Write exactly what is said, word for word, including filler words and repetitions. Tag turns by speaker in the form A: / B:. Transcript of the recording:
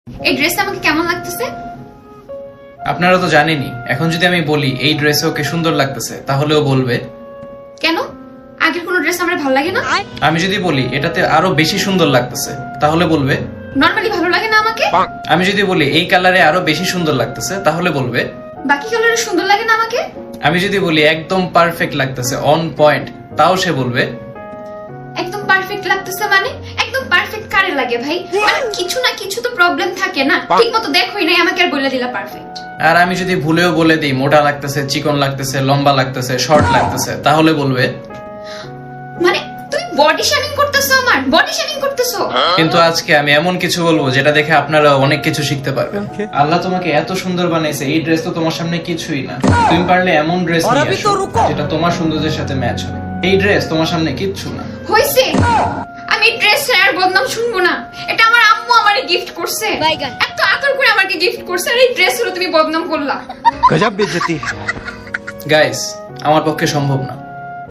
A: এই ড্রেসটা আমাকে কেমন লাগতেছে?
B: আপনারা তো জানেনই, এখন যদি আমি বলি এই ড্রেসে ওকে সুন্দর লাগতেছে তাহলেও বলবে।
A: কেন? আগের কোনো ড্রেস আমার ভালো লাগে না?
B: আমি যদি বলি এটাতে আরো বেশি সুন্দর লাগতেছে তাহলে বলবে।
A: নরমালি ভালো লাগে না আমাকে?
B: আমি যদি বলি এই কালারে আরো বেশি সুন্দর লাগতেছে তাহলে বলবে।
A: বাকি কালারে সুন্দর লাগে না আমাকে?
B: আমি যদি বলি একদম পারফেক্ট লাগতেছে, অন পয়েন্ট, তাও সে বলবে।
A: একদম পারফেক্ট লাগতেছে মানে? একদম পারফেক্ট কারে লাগে ভাই? মানে কিছু না কিছু তো প্রবলেম থাকে না। ঠিকমতো দেখোই নাই, আমাকে আর বলে দিলা পারফেক্ট।
B: আর আমি যদি ভুলেও বলে দিই মোটা লাগতেছে, চিকন লাগতেছে, লম্বা লাগতেছে, শর্ট লাগতেছে তাহলে বলবে।
A: মানে তুমি বডি শেমিং করতেছো, আমার বডি শেমিং করতেছো।
B: কিন্তু আজকে আমি এমন কিছু বলবো যেটা দেখে আপনারা অনেক কিছু শিখতে পারবেন। আল্লাহ তোমাকে এত সুন্দর বানাইছে, এই ড্রেস তো তোমার সামনে কিছুই না। তুমি পারলে এমন ড্রেস নিয়ে আসো যেটা তোমার সৌন্দর্যের সাথে ম্যাচ হয়। এই ড্রেস তোমার সামনে কিচ্ছু না।
A: হইছে, আমি ড্রেস আর বদনাম শুনবো না। এটা আমার আম্মু আমারে গিফট করছে, এত আদর করে আমাকে গিফট করছে, আর এই ড্রেস হলো তুমি বদনাম করলা।
C: गजब बेइज्जती है।
B: গাইস, আমার পক্ষে সম্ভব না।